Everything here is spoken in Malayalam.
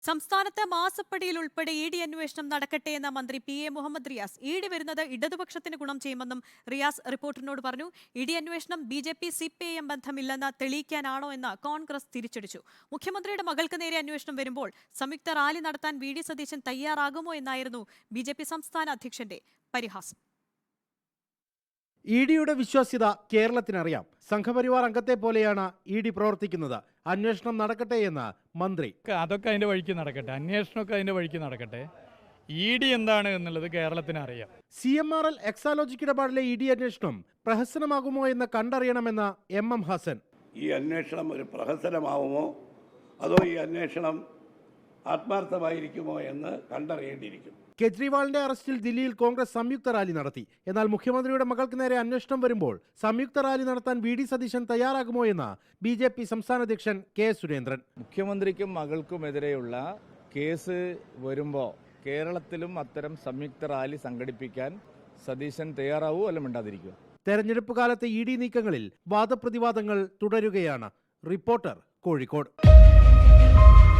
സംസ്ഥാനത്ത് മാസപ്പടിയിൽ ഉൾപ്പെടെ ഇ ഡി അന്വേഷണം നടക്കട്ടെ എന്ന മന്ത്രി P A Muhammad Riyas. E D വരുന്നത് ഇടതുപക്ഷത്തിന് ഗുണം ചെയ്യുമെന്നും റിയാസ് റിപ്പോർട്ടറിനോട് പറഞ്ഞു. ഇ ഡി അന്വേഷണം BJP CPIM ബന്ധമില്ലെന്ന് തെളിയിക്കാനാണോ എന്ന് കോൺഗ്രസ് തിരിച്ചടിച്ചു. മുഖ്യമന്ത്രിയുടെ മകൾക്ക് നേരെ അന്വേഷണം വരുമ്പോൾ സംയുക്ത റാലി നടത്താൻ VD സതീശൻ തയ്യാറാകുമോ എന്നായിരുന്നു BJP സംസ്ഥാന അധ്യക്ഷന്റെ പരിഹാസം. ഇഡിയുടെ വിശ്വാസ്യത കേരളത്തിനറിയാം. സംഘപരിവാർ അംഗത്തെ പോലെയാണ് ഇഡി പ്രവർത്തിക്കുന്നത്. അന്വേഷണം നടക്കട്ടെ എന്ന് മന്ത്രി. അതൊക്കെ അതിന്റെ വഴിക്ക് നടക്കട്ടെ, അന്വേഷണമൊക്കെ അതിന്റെ വഴിക്ക് നടക്കട്ടെ. ഇഡി എന്താണ് എന്നുള്ളത് കേരളത്തിന് അറിയാം. CMRL എക്സാലോജിക് ഇടപാടിലെ ഇഡി അന്വേഷണം പ്രഹസനമാകുമോ എന്ന് കണ്ടറിയണമെന്ന് MM ഹസൻ. ഈ അന്വേഷണം ഒരു പ്രഹസനമാവുമോ അതോ ഈ അന്വേഷണം ആത്മാർത്ഥമായിരിക്കുമോ എന്ന് കണ്ടറിയേണ്ടിയിരിക്കും. കെജ്രിവാളിന്റെ അറസ്റ്റിൽ ദില്ലിയിൽ കോൺഗ്രസ് സംയുക്ത റാലി നടത്തി. എന്നാൽ മുഖ്യമന്ത്രിയുടെ മകൾക്ക് നേരെ അന്വേഷണം വരുമ്പോൾ സംയുക്ത റാലി നടത്താൻ VD സതീശൻ തയ്യാറാകുമോ എന്ന് BJP സംസ്ഥാന അധ്യക്ഷൻ K സുരേന്ദ്രൻ. മുഖ്യമന്ത്രിക്കും മകൾക്കുമെതിരെയുള്ള കേസ് വരുമ്പോൾ കേരളത്തിലും അത്തരം സംയുക്ത റാലി സംഘടിപ്പിക്കാൻ സതീശൻ തയ്യാറാവൂ അല്ല മിണ്ടാതിരിക്കുക. തെരഞ്ഞെടുപ്പ് കാലത്തെ ഇഡി നീക്കങ്ങളിൽ വാദപ്രതിവാദങ്ങൾ തുടരുകയാണ്. റിപ്പോർട്ടർ, കോഴിക്കോട്.